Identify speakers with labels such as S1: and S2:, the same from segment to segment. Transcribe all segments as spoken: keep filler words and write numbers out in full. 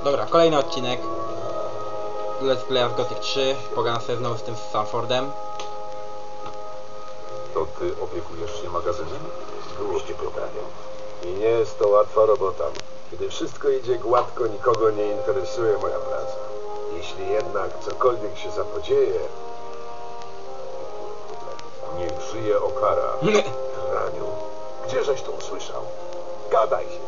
S1: Dobra, kolejny odcinek Let's Play of Gothic trzy. Pogadam sobie znowu z tym Stanfordem.
S2: To ty opiekujesz się magazynem? Dłużcie pytanie. I nie jest to łatwa robota. Kiedy wszystko idzie gładko, nikogo nie interesuje moja praca. Jeśli jednak cokolwiek się zapodzieje... Niech żyje Okara. Raniu, gdzieżeś to usłyszał? Gadaj się.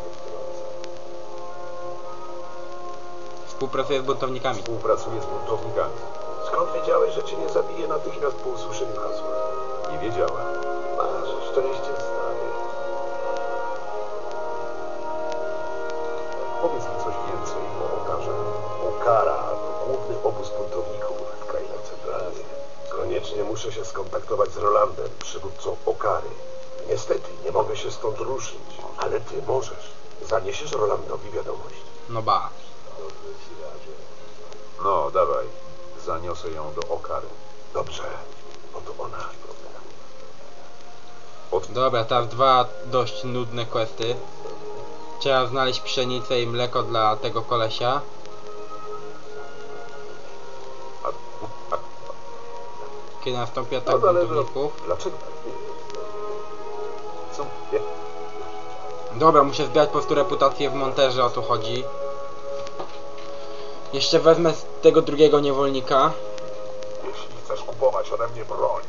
S1: Współpracuję z buntownikami.
S2: Współpracuję z buntownikami. Skąd wiedziałeś, że cię nie zabije natychmiast po usłyszeniu hasła? Nie wiedziałem. Masz szczęście, stary. Powiedz mi coś więcej o Okarze. Okara to główny obóz buntowników w krainie centralnej. Koniecznie muszę się skontaktować z Rolandem, przywódcą Okary. Niestety nie mogę się stąd ruszyć, ale ty możesz. Zaniesiesz Rolandowi wiadomość.
S1: No ba.
S2: No, dawaj. Zaniosę ją do Okary. Dobrze. Oto ona. Od...
S1: Dobra, teraz dwa dość nudne questy. Trzeba znaleźć pszenicę i mleko dla tego kolesia.
S2: A... A...
S1: Kiedy nastąpi atak
S2: No, ale...
S1: buntowników.
S2: Dlaczego? Co? Nie.
S1: Dobra, muszę zbierać po prostu reputację w monterze, o to chodzi. Jeszcze wezmę z tego drugiego niewolnika.
S2: Jeśli chcesz kupować ode mnie broń.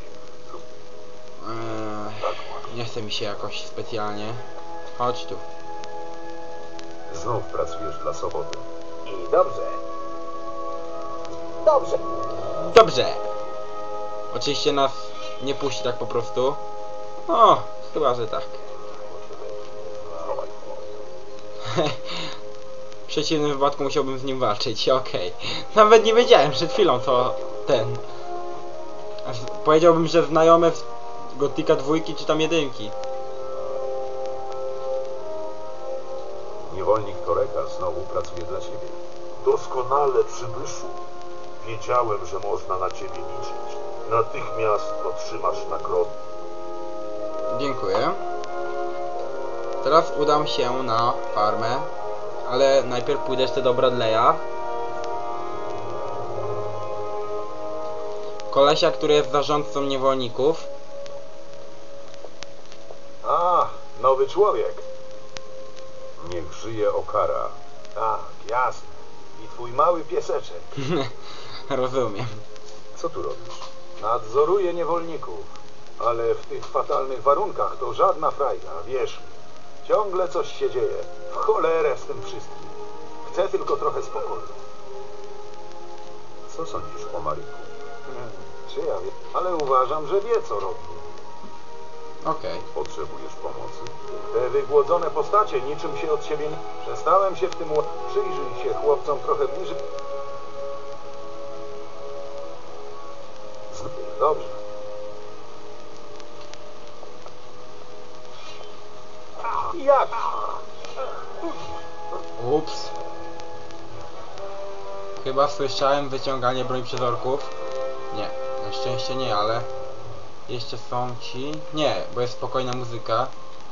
S1: Eee, nie chce mi się jakoś specjalnie. Chodź tu.
S2: Znów pracujesz dla Soboty.
S3: I dobrze. Dobrze.
S1: Dobrze. Oczywiście nas nie puści tak po prostu. O, chyba, że tak. W przeciwnym wypadku musiałbym z nim walczyć, okej. Okay. Nawet nie wiedziałem przed chwilą, co ten... Aż powiedziałbym, że znajomy z Gothica dwójki czy tam jedynki.
S2: Niewolnik Toreka znowu pracuje dla ciebie. Doskonale, przybyszu. Wiedziałem, że można na ciebie liczyć. Natychmiast otrzymasz nagrodę.
S1: Dziękuję. Teraz udam się na farmę. Ale najpierw pójdę jeszcze do Bradley'a. Kolesia, który jest zarządcą niewolników.
S2: A, nowy człowiek. Niech żyje Okara. Tak, jasne. I twój mały pieseczek.
S1: Rozumiem.
S2: Co tu robisz? Nadzoruję niewolników. Ale w tych fatalnych warunkach to żadna frajda, wierz mi. Ciągle coś się dzieje. W cholerę z tym wszystkim. Chcę tylko trochę spokoju. Co sądzisz o Mariku? Hmm, czy ja wiem? Ale uważam, że wie, co robi.
S1: Okej. Okay.
S2: Potrzebujesz pomocy? Te wygłodzone postacie niczym się od siebie nie... Przestałem się w tym... Przyjrzyj się chłopcom trochę bliżej. Dobrze. Jak?
S1: Ups. Chyba słyszałem wyciąganie broni przez orków. Nie, na szczęście nie, ale jeszcze są ci... Nie, bo jest spokojna muzyka.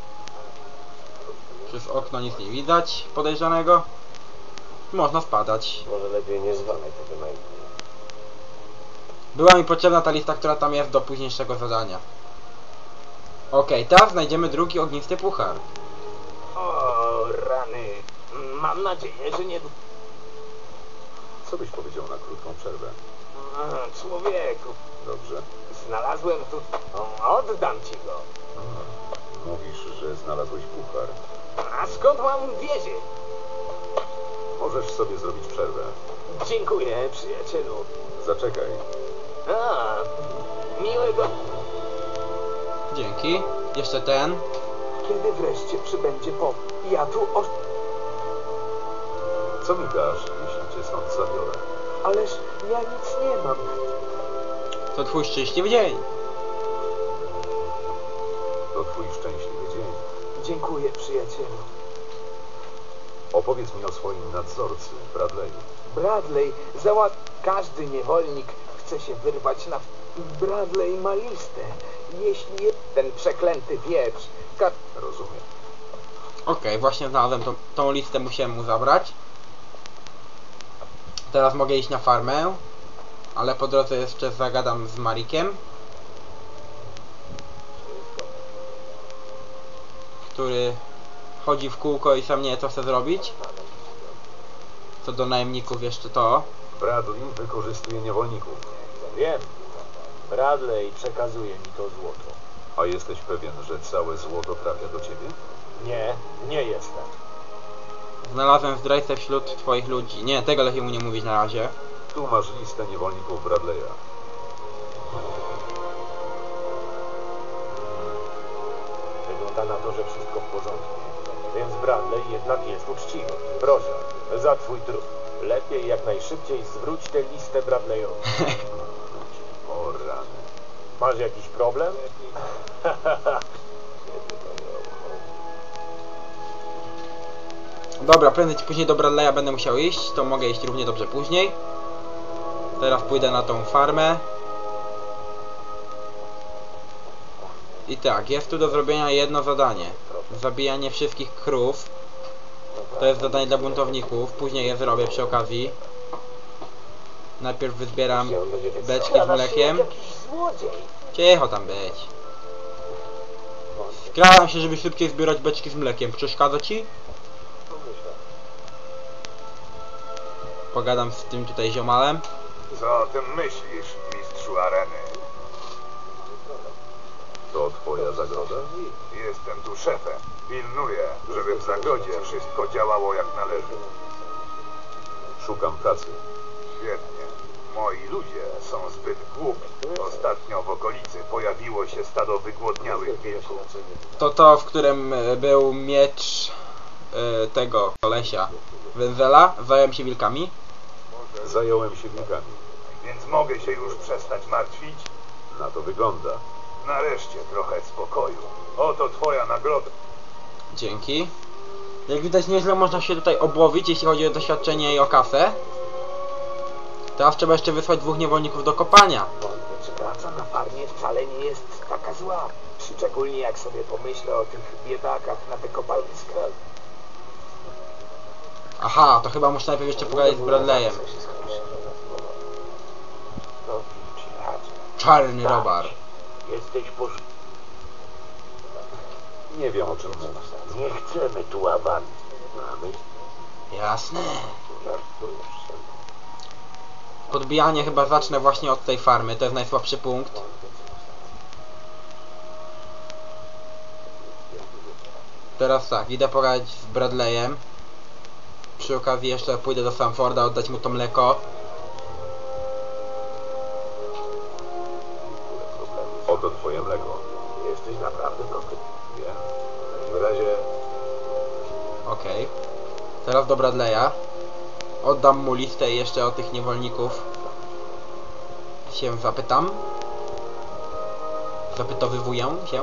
S1: Przez okno nic nie widać podejrzanego. Można spadać.
S3: Może lepiej nie zwalaj tego na innych.
S1: Była mi potrzebna ta lista, która tam jest do późniejszego zadania. Okej, okay, teraz znajdziemy drugi ognisty puchar.
S3: O, rany. Mam nadzieję, że nie...
S2: Co byś powiedział na krótką przerwę?
S3: A, człowieku,
S2: Dobrze.
S3: znalazłem tu... O, oddam ci go.
S2: A, mówisz, że znalazłeś puchar.
S3: A skąd mam wiedzieć?
S2: Możesz sobie zrobić przerwę.
S3: Dziękuję, przyjacielu.
S2: Zaczekaj.
S3: A, miłego...
S1: Dzięki. Jeszcze ten.
S3: Kiedy wreszcie przybędzie po... Ja tu o...
S2: Co mi dasz, jeśli cię stąd zabiorę?
S3: Ależ ja nic nie mam.
S1: To twój szczęśliwy dzień.
S2: To twój szczęśliwy dzień.
S3: Dziękuję, przyjacielu.
S2: Opowiedz mi o swoim nadzorcy, Bradley'u.
S3: Bradley załat... Każdy niewolnik chce się wyrwać na... Bradley ma listę. Jeśli ten przeklęty wieprz... Ka...
S2: Rozumiem.
S1: Okej, okay, właśnie znalazłem tą, tą listę, musiałem mu zabrać. Teraz mogę iść na farmę, ale po drodze jeszcze zagadam z Marikiem, który chodzi w kółko i sam nie wie, co chce zrobić. Co do najemników jeszcze to.
S2: Bradley wykorzystuje niewolników.
S4: Wiem. Bradley przekazuje mi to złoto.
S2: A jesteś pewien, że całe złoto trafia do ciebie?
S4: Nie, nie jestem.
S1: Znalazłem zdrajcę wśród twoich ludzi. Nie, tego lepiej mu nie mówić na razie.
S2: Tu masz listę niewolników Bradley'a.
S4: Wygląda na to, że wszystko w porządku. Więc Bradley jednak jest uczciwy. Proszę, za twój trud. Lepiej jak najszybciej zwróć tę listę Bradleyowi.
S2: O rany.
S4: Masz jakiś problem?
S1: Dobra, prędzej czy później do Bradley'a będę musiał iść, to mogę iść równie dobrze później. Teraz pójdę na tą farmę. I tak, jest tu do zrobienia jedno zadanie. Zabijanie wszystkich krów. To jest zadanie dla buntowników, później je zrobię przy okazji. Najpierw wyzbieram beczki z mlekiem. Cicho tam być. Skradam się, żeby szybciej zbierać beczki z mlekiem. Przeszkadza ci? Pogadam z tym tutaj ziomalem.
S2: Co o tym myślisz, mistrzu areny? To twoja zagroda? Jestem tu szefem. Pilnuję, żeby w zagrodzie wszystko działało jak należy. Szukam pracy. Świetnie. Moi ludzie są zbyt głupi. Ostatnio w okolicy pojawiło się stado wygłodniałych wilków.
S1: To to, w którym e, był miecz e, tego kolesia Węzela. Zająłem się wilkami.
S2: Zająłem się wilkami.
S5: Więc mogę się już przestać martwić?
S2: Na to wygląda.
S5: Nareszcie trochę spokoju. Oto twoja nagroda.
S1: Dzięki. Jak widać, nieźle można się tutaj obłowić, jeśli chodzi o doświadczenie i o kasę. Teraz trzeba jeszcze wysłać dwóch niewolników do kopania.
S3: Czy praca na farmie wcale nie jest taka zła? Szczególnie jak sobie pomyślę o tych biedakach na wykopaliskach.
S1: Aha, to chyba muszę najpierw jeszcze pogadać z Bradleyem. Czarny robar.
S4: Jesteś posz...
S2: Nie wiem, o czym mówisz.
S4: Nie chcemy tu awansu. Mamy...
S1: Jasne. Podbijanie chyba zacznę właśnie od tej farmy, to jest najsłabszy punkt. Teraz tak, idę pogadać z Bradleyem. Przy okazji jeszcze pójdę do Sanforda, oddać mu to mleko.
S2: Oto twoje mleko.
S4: Jesteś naprawdę dobry.
S2: Wiem. W takim razie
S1: Okej. Okay. Teraz do Bradley'a. Oddam mu listę jeszcze o tych niewolników. Się zapytam. Zapytowywuję się.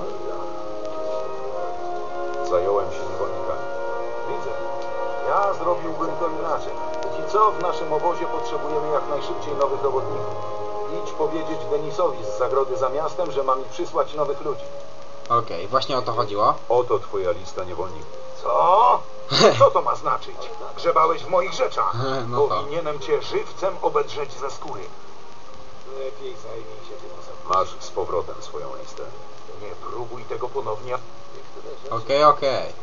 S2: zająłem się niewolnikami.
S6: Widzę. Ja zrobiłbym to inaczej. Póki co w naszym obozie potrzebujemy jak najszybciej nowych robotników. Idź powiedzieć Denisowi z zagrody za miastem, że ma mi przysłać nowych ludzi.
S1: Okej, okay, właśnie o to chodziło.
S2: Oto twoja lista niewolników.
S5: Co? Co to ma znaczyć? Grzebałeś w moich rzeczach.
S1: No to.
S5: Powinienem cię żywcem obedrzeć ze skóry. Lepiej zajmij się tym osobą.
S2: Masz z powrotem swoją listę.
S5: Nie próbuj tego ponownie.
S1: Okej, okay, okej. Okay.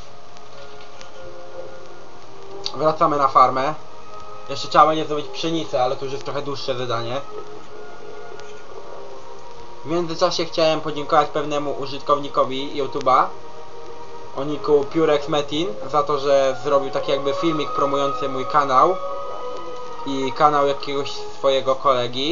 S1: Wracamy na farmę. Jeszcze trzeba będzie zrobić pszenicę, ale to już jest trochę dłuższe zadanie. W międzyczasie chciałem podziękować pewnemu użytkownikowi YouTube'a o niku Purex Metin za to, że zrobił taki jakby filmik promujący mój kanał i kanał jakiegoś swojego kolegi.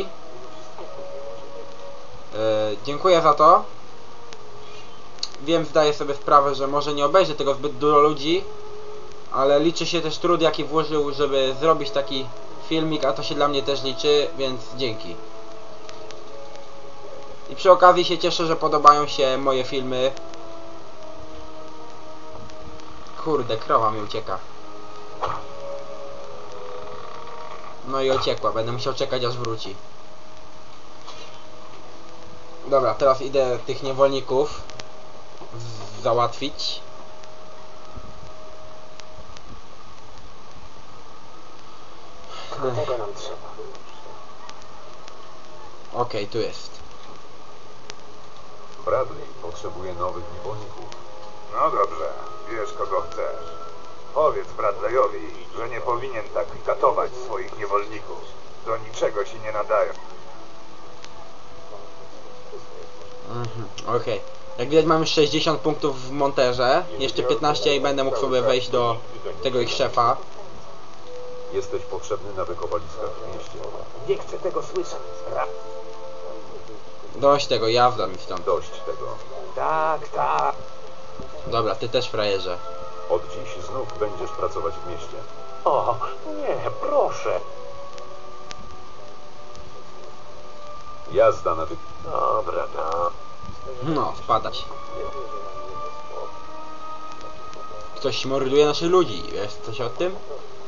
S1: Yy, dziękuję za to. Wiem, zdaję sobie sprawę, że może nie obejrzy tego zbyt dużo ludzi, ale liczy się też trud, jaki włożył, żeby zrobić taki filmik, a to się dla mnie też liczy, więc dzięki. I przy okazji się cieszę, że podobają się moje filmy. Kurde, krowa mi ucieka. No i uciekła, będę musiał czekać, aż wróci. Dobra, teraz idę tych niewolników załatwić.
S3: Tego nam trzeba.
S1: Okej, tu jest.
S2: Bradley potrzebuje nowych niewolników.
S5: No dobrze, wiesz kogo chcesz. Powiedz Bradleyowi, że nie powinien tak katować swoich niewolników. Do niczego się nie nadają.
S1: Mhm, okej. Jak widać mamy sześćdziesiąt punktów w monterze. Jeszcze piętnaście i będę mógł sobie wejść do tego ich szefa.
S2: Jesteś potrzebny na wykopaliskach w mieście.
S3: Nie chcę tego słyszeć. Ra-
S1: Dość tego, jazda mi stąd.
S2: Dość tego.
S3: tak, tak.
S1: Dobra, ty też frajerze.
S2: Od dziś znów będziesz pracować w mieście.
S4: O, nie, proszę.
S2: Jazda na wy...
S4: Dobra, no.
S1: No, spadać. Ktoś morduje naszych ludzi. Wiesz coś o tym?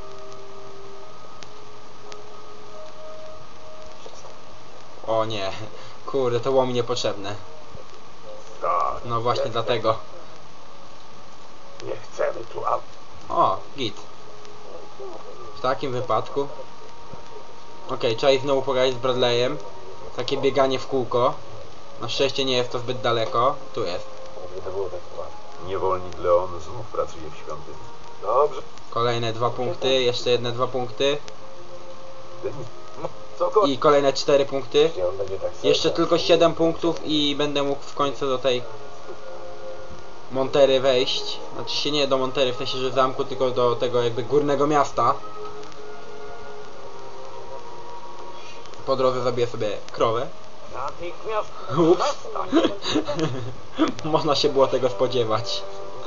S1: O nie. Kurde, to było mi niepotrzebne.
S4: Tak,
S1: No właśnie dlatego.
S4: nie chcemy tu aut.
S1: O, git. W takim wypadku. Okej, trzeba ich znowu pogadać z Bradleyem. Takie bieganie w kółko. Na szczęście nie jest to zbyt daleko. Tu jest.
S2: Niewolnik Leon znów pracuje w świątyni.
S4: Dobrze.
S1: Kolejne dwa punkty. Jeszcze jedne dwa punkty.
S2: Denis,
S4: Cokolwiek.
S1: I kolejne cztery punkty.
S4: On będzie tak
S1: Jeszcze tylko siedem punktów i będę mógł w końcu do tej Montery wejść. Znaczy się nie do Montery, w sensie, że zamku, tylko do tego jakby górnego miasta. Po drodze zabiję sobie krowę.
S3: Natychmiast.
S1: Ups. Można się było tego spodziewać.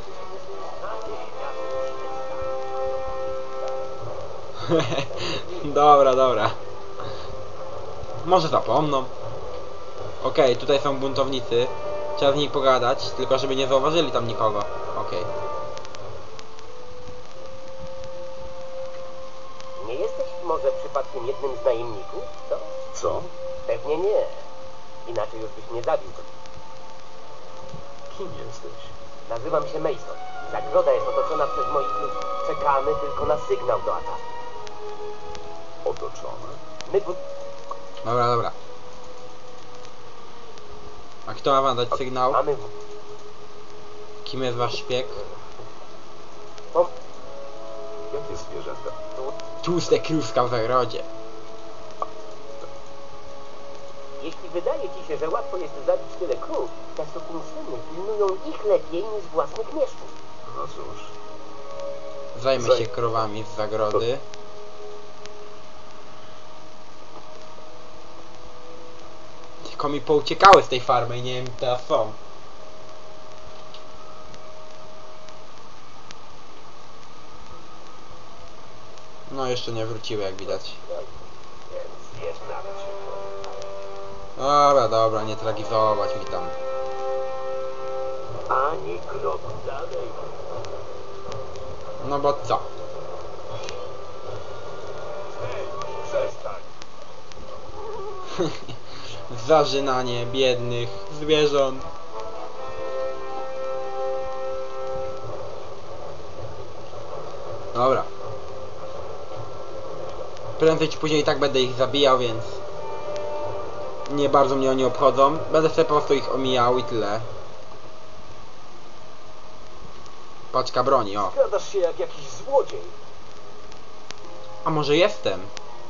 S1: Dobra, dobra. Może zapomną. Okej, tutaj są buntownicy. Trzeba z nimi pogadać, tylko żeby nie zauważyli tam nikogo. Okej.
S7: Nie jesteś może przypadkiem jednym z najemników? To?
S2: co?
S7: Pewnie nie. Inaczej już byś nie zabił.
S2: Kim jesteś?
S7: Nazywam się Mason. Zagroda jest otoczona przez moich ludzi. Czekamy tylko na sygnał do ataku.
S2: Otoczony?
S7: My bu-
S1: Dobra, dobra. A kto ma wam dać sygnał?
S7: mamy... w-
S1: Kim jest wasz szpieg?
S7: O,
S2: Jakie zwierzęta?
S1: Tłuste krówka w zagrodzie.
S7: jeśli wydaje ci się, że łatwo jest zabić tyle krów, te sukinsyny pilnują ich lepiej niż własnych mieszków.
S2: No cóż.
S1: Zajmę
S2: Zaj-
S1: się krowami z zagrody. Tylko mi pouciekały z tej farmy i nie wiem, teraz są. No jeszcze nie wróciły, jak widać.
S7: Więc jest nawet się.
S1: Dobra, dobra, nie tragizować mi tam.
S7: Ani krok dalej.
S1: No bo co?
S4: Przestań.
S1: Zażynanie biednych zwierząt. Dobra. Prędzej czy później i tak będę ich zabijał, więc nie bardzo mnie oni obchodzą. Będę sobie po prostu ich omijał i tyle. Paczka broni, o.
S4: Skradasz się jak jakiś złodziej.
S1: A może jestem?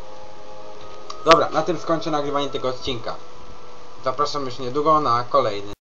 S1: Dobra, na tym skończę nagrywanie tego odcinka. Zapraszam już niedługo na kolejny.